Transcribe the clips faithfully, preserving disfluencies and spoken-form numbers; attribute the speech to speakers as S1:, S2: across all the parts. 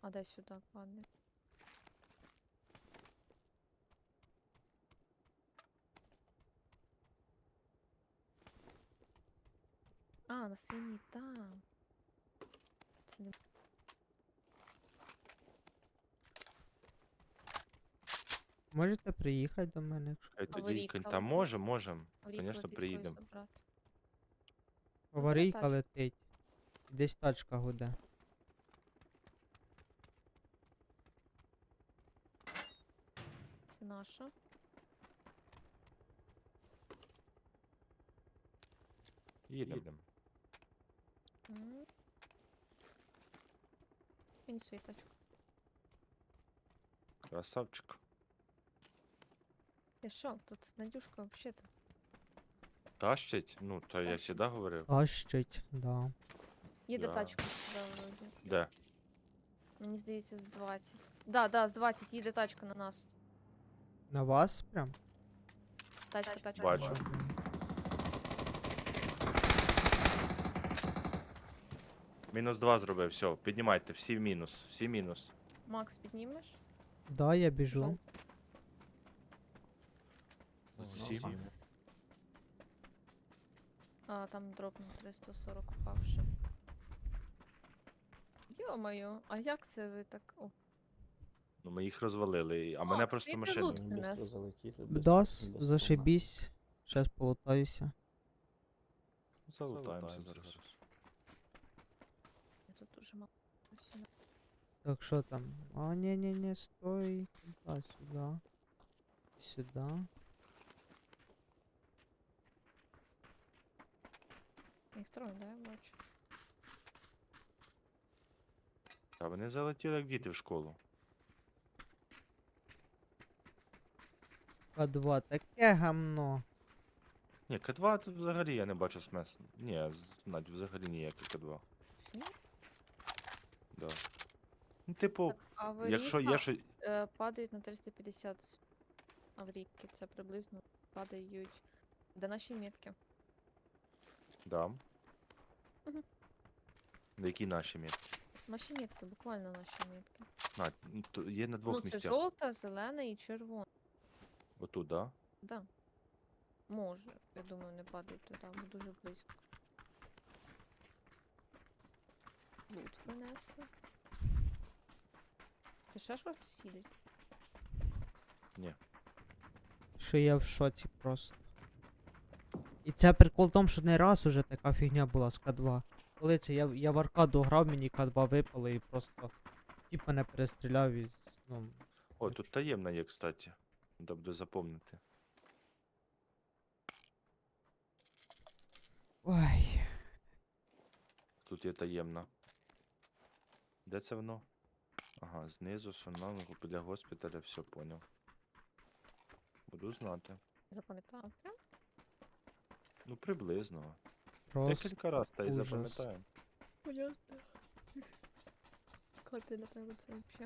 S1: А дай сюди падне. А, на синій там. Це не...
S2: Можете приїхати до мене, якщо
S3: Хай тоді
S1: Аварійка
S3: кінь- Та
S1: летить.
S3: може, можем.
S1: Аварійка
S3: Звісно,
S1: летить,
S3: приїдемо.
S1: когось забрати.
S2: аварійка
S1: тачку.
S2: летить. Десь тачка гуде.
S1: Це наша.
S3: Їдемо.
S1: М. Кинь свою тачку.
S3: Красавчик.
S1: Ти що, тут Надюшка взагалі-то.
S3: Тащить? Ну, то я
S1: Тащить.
S3: завжди говорив.
S2: Тащить, да.
S1: Їде
S3: Да.
S1: тачка сюди вроді.
S3: Де?
S1: Мені здається, з двадцять. Да, да, з двадцять їде тачка на нас.
S2: На вас прям?
S1: Тачка, тачка.
S3: Бачу.
S1: бачу.
S3: Мінус два зробив, все. Піднімайте, всі в мінус. Всі мінус.
S1: Макс, піднімеш?
S2: Да, я біжу.
S1: Жовт.
S3: Всі.
S1: А, там дроп на триста сорок впавши. Йо-моє, а як це ви так? О,
S3: Ну ми їх розвалили, а мене
S1: Макс,
S3: просто
S1: ти
S3: машина.
S1: лут
S4: Быстро
S1: принес.
S4: залетіти, без-
S2: Дас,
S4: без
S2: зашибісь. Щас полутаюся.
S3: Залутаємося зараз.
S1: я тут дуже мало. всього.
S2: Так, що там? А, ні-ні-ні, стой. Туда, сюди. Сюди.
S1: Їх троє, да, я бачу.
S3: Та вони залетіли як діти в школу.
S2: К два, таке гамно.
S3: Ні, К два тут взагалі я не бачу смислу. Ні, з- Надь, взагалі ніякий К два.
S1: Ні?
S3: Да. Ну, типу,
S1: Так, аварійка
S3: якщо є що.
S1: е, падають на триста п'ятдесят аварійки. Це приблизно падають. Де наші метки?
S3: Да.
S1: Мгм.
S3: На які наші місця?
S1: Наші метки, буквально наші метки.
S3: Надь, ну, то є на двох
S1: Ну, це
S3: місцях.
S1: жовта, зелена і червона.
S3: Отут, да?
S1: Да. Може, я думаю, не падають туди, бо дуже близько. Лут принесли. Ти ще ж хтось їде?
S3: Ні.
S2: Що я в шоці просто. І це прикол в тому, що не раз уже така фігня була з К два. Коли це я, я в аркаду грав, мені К два випали і просто тіп мене перестріляв і ну.
S3: О, тут таємна є, кстати. Треба буде запомнити.
S2: Ой.
S3: Тут є таємна. Де це воно? Ага, знизу, сунав, біля госпіталя, все поняв. Буду знати.
S1: Запам'ятала прям?
S3: Ну, приблизно.
S2: Просто
S3: Декілька раз та й
S2: ужас.
S3: запам'ятаємо.
S1: Понятно. Карти для тебе це взагалі.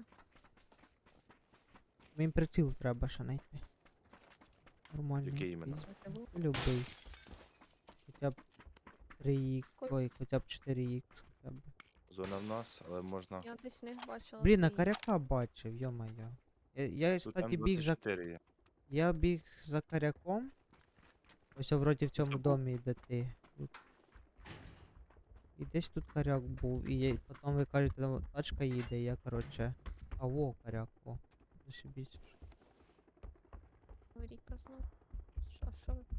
S2: мені приціл треба ще знайти. Нормально.
S3: Який іменно?
S2: Любий. Хоча б три х,
S1: Кольц.
S2: ой, хоча б чотири х хоча б.
S3: Зона в нас, але можна.
S1: Я десь не бачила.
S2: Блін, на
S1: твої.
S2: коряка бачив, йо-моє. Я, я
S3: Тут
S2: кстати, біг за.
S3: М двадцять чотири є.
S2: Я біг за коряком. Ось вроді в цьому
S3: Забув.
S2: домі, де ти. Тут. І десь тут коряк був. І я, потім ви кажете, там тачка їде, і я, коротше. А во, коряк, о. Зашибісь.
S1: Аварійка знов. Що, що ви?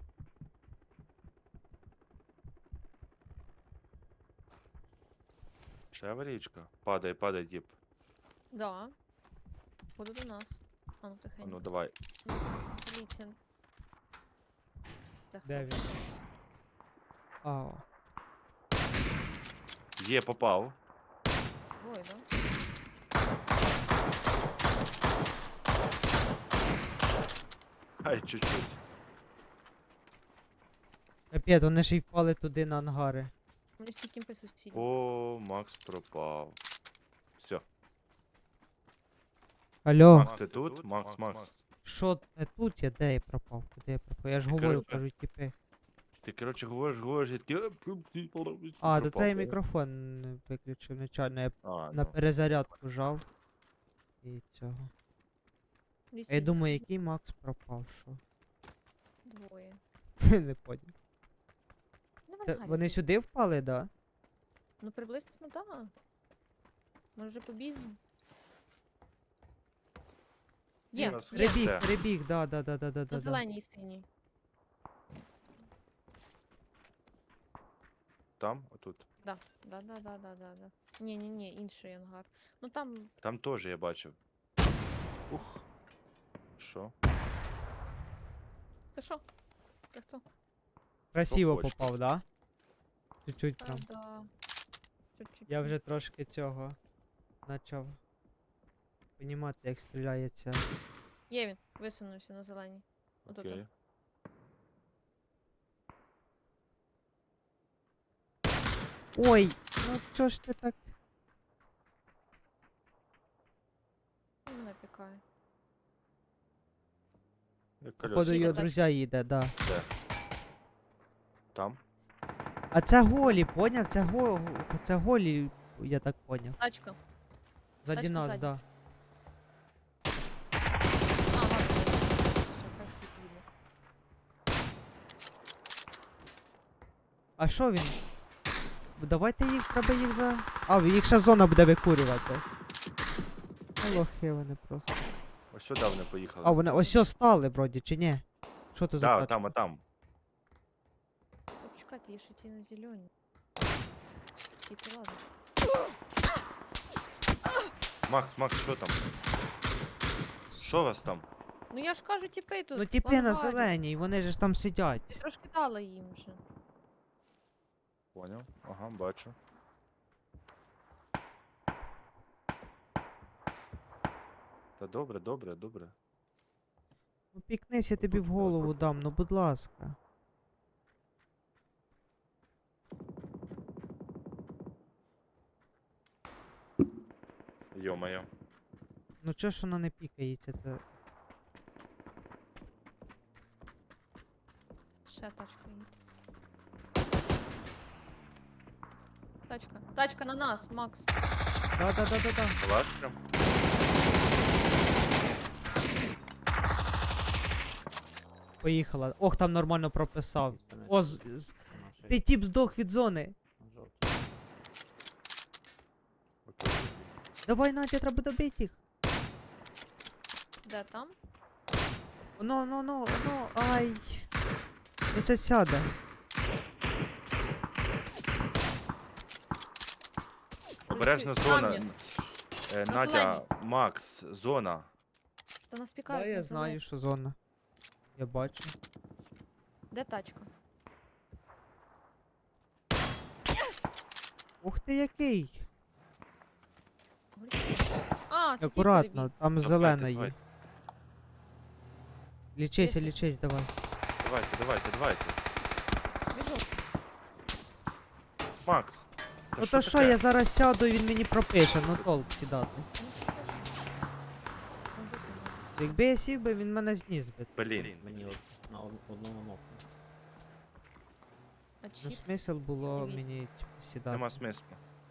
S3: Ще аварійка. Падай, падай, діп.
S1: Да. Буду до нас. А ну
S3: А
S1: тихенько.
S3: ну давай.
S1: Ну, дивіться. Це хто
S2: Де
S1: ж?
S2: він? А, о.
S3: Є, попав.
S1: Двоє, да?
S3: Ай, чуть-чуть.
S2: Капець, вони ж й впали туди на ангари.
S1: Вони всі кімпи сусідні.
S3: О, Макс пропав. Все.
S2: Алло,
S3: Макс, ти тут? Макс, Макс.
S2: що не тут я, де я пропав? Куди я пропав? Я ж
S3: Я
S2: говорю,
S3: кажу,
S2: кажу, типи.
S3: Ти, коротше, говориш, говориш, я такий...
S2: А, то
S3: пропав.
S2: цей мікрофон не виключив нечайно, я
S3: А,
S2: на
S3: ну.
S2: перезарядку жав. І цього. А я
S1: Вісім.
S2: думаю, який Макс пропав, що?
S1: Двоє.
S2: Це не поняв.
S1: Ну,
S2: Це
S1: вон
S2: Вони
S1: Гаррі
S2: сюди впали, да?
S1: Ну, приблизно, так. Да. Може, вже побігли?
S3: Ні,
S1: Є,
S3: нас
S1: є.
S3: Прибіг.
S2: Прибіг,
S3: Де?
S2: прибіг, да, да, да, да, да,
S1: На
S2: да. да.
S1: зеленій і синій.
S3: Там, отут.
S1: Да, да, да, да, да, да, да. Ні, ні, ні, інший ангар. Ну там
S3: Там теж я бачив. Ух. Що?
S1: це що? Це хто?
S2: Красиво
S3: хочете.
S2: попав, да? Чуть-чуть
S1: А,
S2: прям.
S1: да. Чуть-чуть.
S2: Я вже трошки цього почав понімати, як стріляється.
S1: Є він, висунувся на зеленій. Отут.
S3: Окей.
S2: Ой, ну чо ж ти так?
S1: Він мене пікає.
S3: Як
S2: Походу
S3: колеса.
S1: Їде
S2: його
S1: тачка.
S2: друзя їде, да.
S3: Де? Там?
S2: А це голі, поняв? Це го... це голі, я так поняв.
S1: Тачка.
S2: Заді
S1: Тачка
S2: нас,
S1: ззаді.
S2: да.
S1: А, ладно. Все, хай сіп їде.
S2: А що він? Давайте їх, треба їх за... А, їх ще зона буде викурювати. А лохи вони просто.
S3: Ось сюди вони поїхали.
S2: А, вони ось сьо стали вроді, чи ні? Що то за
S3: Да,
S2: тачка?
S3: там, а там.
S1: Та Почекайте, є ще ті на зелені. Скільки ладно.
S3: Макс, Макс, що там? Що у вас там?
S1: Ну я ж кажу, тіпи тут.
S2: Ну
S1: в
S2: тіпи на
S1: ангарі.
S2: зеленій, вони ж там сидять.
S1: Я трошки дала їм вже.
S3: Поняв. Ага, бачу. Та добре, добре, добре.
S2: Ну пікнись, я тобі в голову дам, ну будь ласка.
S3: Йо-моє.
S2: Ну чого ж вона не пікається, це...
S1: Ще тачка їде. Тачка. Тачка на нас, Макс.
S2: Да-да-да-да-да.
S3: Клас прям.
S2: Поїхала. Ох, там нормально прописав. О, з... з- ти тіп здох від зони.
S3: Окей.
S2: Давай, Надя, треба добити їх.
S1: Де там?
S2: Ну, ну, ну, ну, ай. Він ще сяде.
S3: Обережно
S1: Працюй.
S3: зона.
S1: Камні.
S3: Е,
S1: На
S3: Надя,
S1: зеленій.
S3: Макс, зона.
S1: Та нас пікають.
S2: Да,
S1: на
S2: я
S1: зеленій.
S2: знаю, що зона. Я бачу.
S1: Де тачка?
S2: Ух ти який.
S1: А, це ці
S2: Акуратно,
S1: перебіг.
S2: там
S3: Давайте,
S2: зелена є.
S3: давайте.
S2: Лічися,
S1: Десять.
S2: лічись, давай.
S3: Давайте, давайте, давайте.
S1: Біжу.
S3: Макс. Та
S2: Ну то що,
S3: таке?
S2: я зараз сяду і він мені пропише, ну толк сідати.
S1: Ну, це теж. Там жопу немає.
S2: Якби я сів би, він мене зніс би.
S3: Блін.
S4: Мені от на од- одному ногу.
S1: А
S2: Ну
S1: чіп?
S2: смисл було
S1: Чудовість.
S2: мені типу, сідати.
S3: Нема смислу.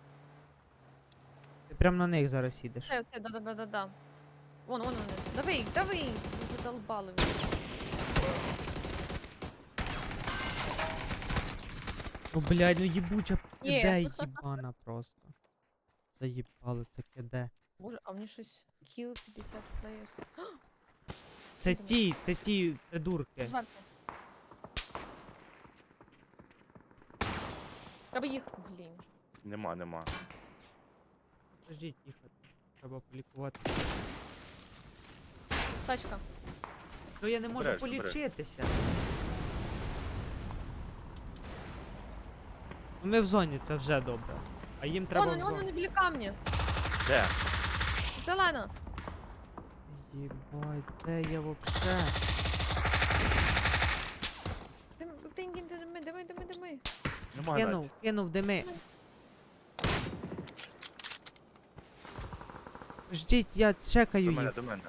S2: Ти прям на них зараз їдеш.
S1: Це, це, да-да-да-да-да. Вон, вон вони. Дави їх, дави їх. Ви задолбали ви.
S2: Ну блядь, ну їбуча
S1: Є.
S2: киде їбана просто. Заїбало це киде.
S1: Боже, а мені щось kill п'ятдесят players.
S2: Це
S1: Там.
S2: ті, це ті придурки.
S1: Зверху. Треба їх. Блін.
S3: Нема, нема.
S2: Подождіть, тихо. Треба полікувати.
S1: Тачка.
S2: Ну я не можу
S3: Обережно, обережно.
S2: полічитися. Ну ми в зоні, це вже добре. А їм треба
S1: Вон
S2: в
S1: вони, вон
S2: зону.
S1: вони біля камня.
S3: Де?
S1: Зелена.
S2: Єбать, де я вообще?
S1: Дим, дим, дим, дими, дими, дими, дими.
S3: Нема,
S2: Кинув,
S3: Надь.
S2: кинув дими. Ждіть, я чекаю
S3: До мене,
S2: їх.
S3: до мене.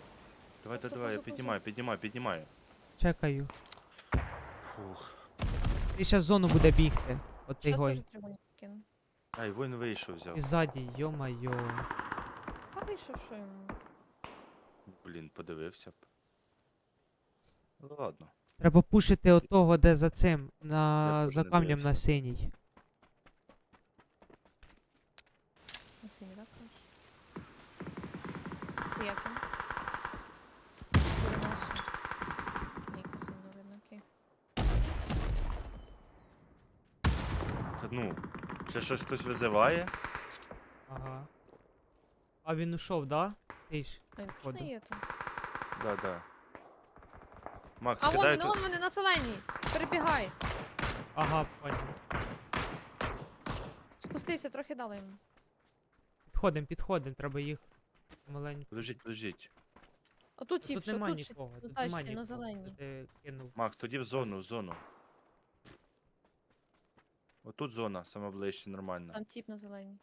S3: Давай,
S1: Позу,
S3: давай, я
S1: позу, позу.
S3: піднімаю, піднімаю, піднімаю.
S2: Чекаю.
S3: Фух.
S2: Ти щас зону буде бігти. От цей
S1: Щас
S2: гой.
S1: теж треба не кину.
S3: Ай, він вийшов взяв.
S2: І ззаді, йо-майо.
S1: А вийшов, що йому?
S3: Блін, подивився б. Ну ладно.
S2: Треба пушити отого, де за цим, на
S3: теж
S2: за
S3: не
S2: камнем на
S3: дивився.
S2: синій.
S1: На синій, так? кажеш? Це як він? Буде наш. Ні, на синій не видно, окей.
S3: Та ну, ще щось хтось визиває?
S2: Ага. А він ушов, да? Ти ж.
S1: А він
S2: Походу.
S1: точно є там?
S3: Да, да. Макс,
S1: А вон
S3: кидай
S1: він,
S3: тут.
S1: вон вони на зеленій! Перебігай!
S2: Ага, понял.
S1: Спустився, трохи дали йому.
S2: Підходим, підходим, треба їх маленько.
S3: Подождіть, подождіть.
S1: Отут
S2: Тут
S1: тіп, що
S2: нема
S1: тут ще
S2: нікого,
S1: на
S2: тут нема
S1: тачці, на
S2: нікого.
S1: зеленій.
S2: Ти кинув.
S3: Макс, тоді в зону, в зону. Отут зона, саме ближче, нормально.
S1: Там тіп на зеленій.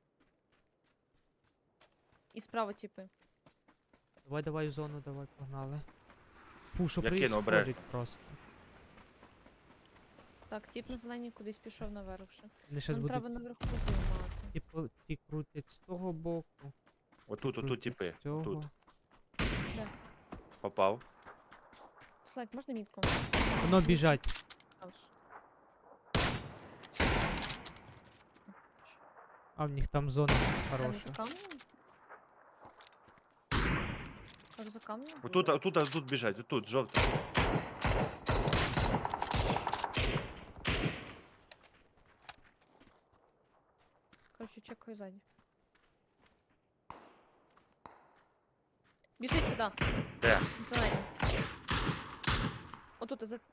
S1: І справа тіпи.
S2: Давай, давай в зону, давай, погнали. Фу, що
S3: Я кину,
S2: происходить
S3: обережно.
S2: просто.
S1: Так, тіп на зеленій кудись пішов наверх вже.
S2: Вони щас
S1: Нам
S2: будуть
S1: треба наверху займати.
S2: типу, ті крутять з того боку.
S3: Отут, отут
S2: крутять
S3: тіпи.
S2: з цього.
S3: Отут.
S1: Де?
S3: Попав.
S1: Слайк, можна мітку?
S2: Воно біжать.
S1: Хорош.
S2: А в них там зона
S1: Там за
S2: хороша.
S1: камнем? Там за камнем?
S3: Отут, отут, отут біжать, отут, жовта.
S1: Короче, чекаю ззаді. Біжить сюди.
S3: Де?
S1: Зелені. Отут, за...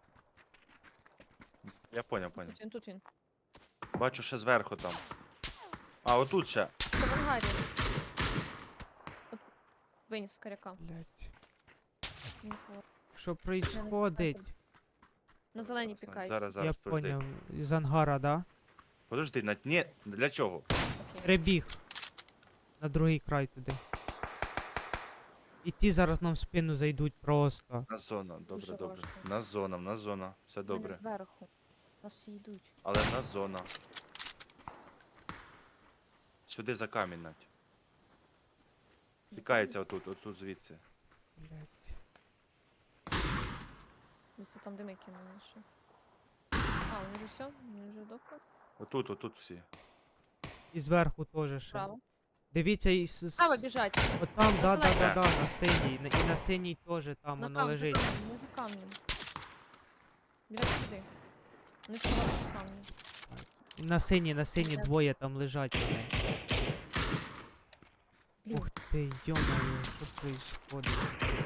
S3: Я поняв, поняв.
S1: тут він, тут він.
S3: Бачу ще зверху там. А, отут ще.
S1: Це в ангарі. От... Виніс з коряка.
S2: Блять.
S1: Виніс було.
S2: Що происходить?
S1: На зеленій
S3: Зараз,
S1: пікається.
S3: Зараз,
S2: Я
S3: зараз, подожди.
S2: поняв. З ангара, да?
S3: Подожди, на... Ні, для чого?
S1: Окей.
S2: Прибіг. На другий край туди. І ті зараз нам в спину зайдуть просто.
S3: На зона, добре,
S1: Дуже
S3: добре.
S1: важко.
S3: На зона, на зона. Все
S1: Вони
S3: добре.
S1: зверху. Нас всі йдуть.
S3: Але на зона. Сюди за камінь, Надь. Тікається отут, отут звідси.
S2: Блять.
S1: Десь там дими кинули ще. А, вони вже все? Вони вже вдохли?
S3: Отут, отут всі.
S2: І зверху теж ще.
S1: Право.
S2: Дивіться, і с...
S1: Право
S2: с...
S1: біжать.
S2: От там, да, да,
S1: Зелене.
S2: да, да, на синій. на- І на синій теж там
S1: На
S2: воно
S1: камінь, за
S2: лежить.
S1: камнем, не за камнем. Біжать сюди. Вони сховалися в камні.
S2: І на синій, на синій
S1: Де?
S2: двоє там лежать вони.
S1: Блін,
S2: Ух ти, йо-моє, що происходить?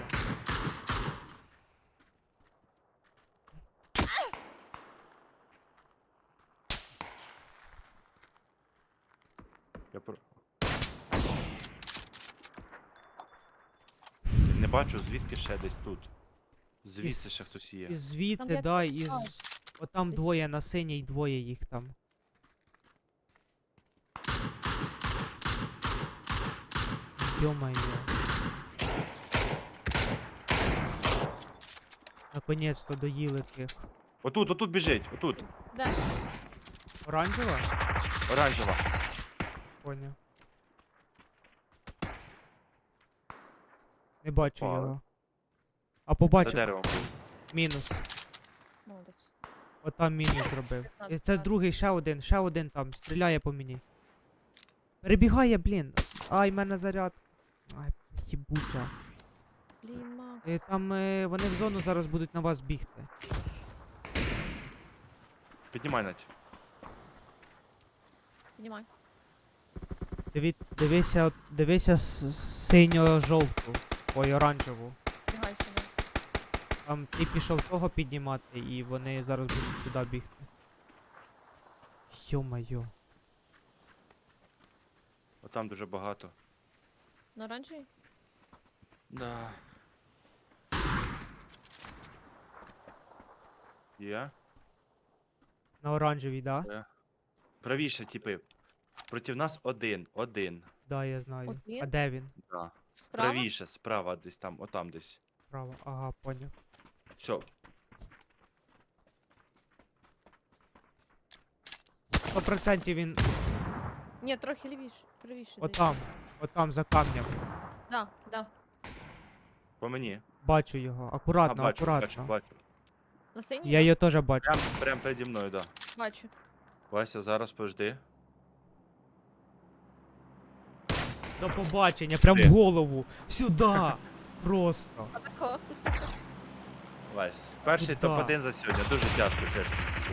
S3: Я про... Не бачу, звідки ще десь тут. Звідси ще
S2: Із-
S3: хтось є.
S2: І звідти,
S1: Там як
S2: да, і з...
S1: бачиш,
S2: Отам
S1: десь-
S2: двоє на синій, двоє їх там. Ё-моё. Наконец-то доїли тих.
S3: Отут, отут біжить, отут.
S1: Де?
S2: Оранжева?
S3: Оранжева.
S2: Поняв. Не бачу
S3: Впали.
S2: його. А
S3: За
S2: побачив.
S3: деревом був.
S2: Мінус.
S1: Молодець.
S2: Отам мінус зробив.
S1: П'ятнадцять,
S2: І це
S1: п'ятнадцять.
S2: другий, ще один, ще один там. Стріляє по мені. Перебігає, блін. Ай, в мене заряд. Ай, їбуча.
S1: Блін, Макс.
S2: Е, Там е, вони в зону зараз будуть на вас бігти.
S3: Піднімай, Надь.
S1: Піднімай.
S2: Диві, дивися, от- дивися с- синьо-жовту. Ой, оранжеву.
S1: Бігай сюди.
S2: Там ти пішов того піднімати, і вони зараз будуть сюди бігти. Йо-моє.
S3: Отам дуже багато.
S1: На оранжевій?
S3: Да. Є?
S2: На оранжевій, да?
S3: Правіше, типи. Проти нас один, один.
S2: Да, я знаю.
S1: Один?
S2: А де він?
S3: Да.
S1: Справа?
S3: Правіше, справа десь там, отам десь.
S2: Право. Ага, поняв.
S3: Все.
S2: сто процентів він
S1: Ні, трохи лівіше, правіше. десь.
S2: отам, отам за камнем.
S1: Да, да.
S3: По мені.
S2: Бачу його.
S3: А,
S2: Акуратно,
S3: бачу, бачу,
S2: акуратно.
S3: бачу.
S1: На синій?
S2: Я
S1: да?
S2: її теж бачу.
S3: Прям, прям переді мною, да.
S1: Бачу.
S3: Вася, зараз пожди.
S2: До побачення, прям в
S3: Де?
S2: голову. Сюди. Просто.
S1: Отако.
S3: Вась, перший
S2: Куда?
S3: топ один за сьогодні, дуже тяжко, чесно.